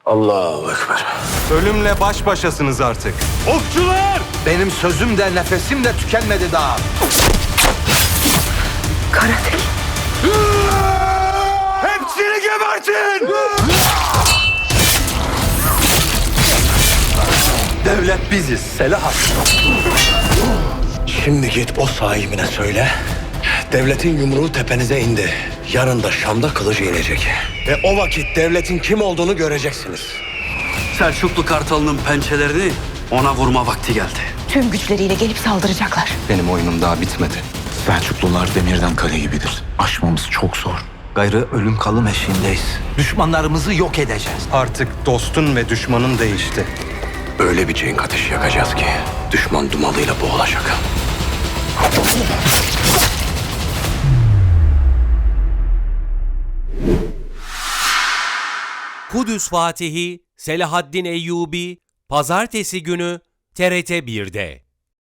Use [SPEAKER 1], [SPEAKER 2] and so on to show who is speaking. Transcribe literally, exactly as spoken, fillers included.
[SPEAKER 1] Allahu Ekber.
[SPEAKER 2] Ölümle baş başasınız artık. Okçular!
[SPEAKER 1] Benim sözüm de nefesim de tükenmedi daha.
[SPEAKER 3] Karatek.
[SPEAKER 2] Hepsini gebertin!
[SPEAKER 1] Devlet biziz, Selahat. Şimdi git o sahibine söyle. Devletin yumruğu tepenize indi. Yarın da Şam'da kılıcı inecek. Ve o vakit devletin kim olduğunu göreceksiniz.
[SPEAKER 4] Selçuklu Kartalı'nın pençelerini ona vurma vakti geldi.
[SPEAKER 3] Tüm güçleriyle gelip saldıracaklar.
[SPEAKER 5] Benim oyunum daha bitmedi. Selçuklular demirden kale gibidir. Aşmamız çok zor.
[SPEAKER 1] Gayrı ölüm kalım eşiğindeyiz. Düşmanlarımızı yok edeceğiz.
[SPEAKER 2] Artık dostun ve düşmanın değişti.
[SPEAKER 1] Öyle bir cenk ateşi yakacağız ki düşman dumanıyla boğulacak.
[SPEAKER 6] Kudüs Fatihi Selahaddin Eyyubi Pazartesi günü T R T bir'de.